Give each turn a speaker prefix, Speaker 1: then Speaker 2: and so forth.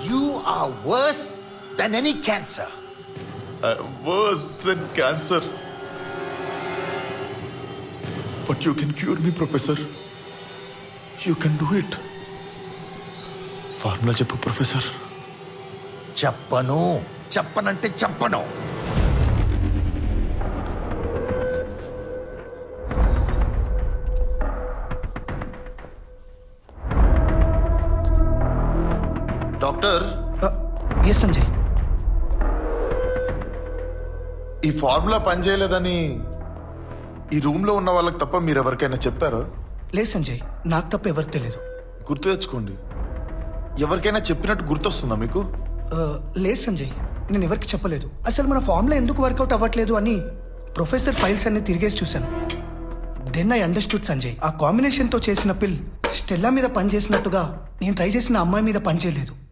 Speaker 1: You are worse than any cancer.
Speaker 2: Worse than cancer. But you can cure me, Professor. You can do it. Formula చెప్పు professor.
Speaker 1: చెప్పనంటే చెప్పను.
Speaker 2: Doctor,
Speaker 3: S Sanjay.
Speaker 2: ఈ formula పనిచేయలేదని ఈ room లో ఉన్న వాళ్ళకి తప్ప మీరు ఎవరికైనా చెప్పారా?
Speaker 3: లేదు సంజయ్, నాకు తప్ప ఎవరికి తెలియదు.
Speaker 2: గుర్తు తెచ్చుకోండి. ఎవరికైనా చెప్పినట్టు గుర్తొస్తుందా మీకు?
Speaker 3: లేదు సంజయ్, నేను ఎవరికి చెప్పలేదు. అసలు మన ఫార్ములా ఎందుకు వర్కౌట్ అవ్వట్లేదు అని ప్రొఫెసర్ ఫైల్స్ అన్ని తిరిగేసి చూశాను. Then I understood Sanjay. ఆ కాంబినేషన్తో చేసిన పిల్ స్టెల్లా మీద పనిచేసినట్టుగా నేను ట్రై చేసిన అమ్మాయి మీద పనిచేయలేదు.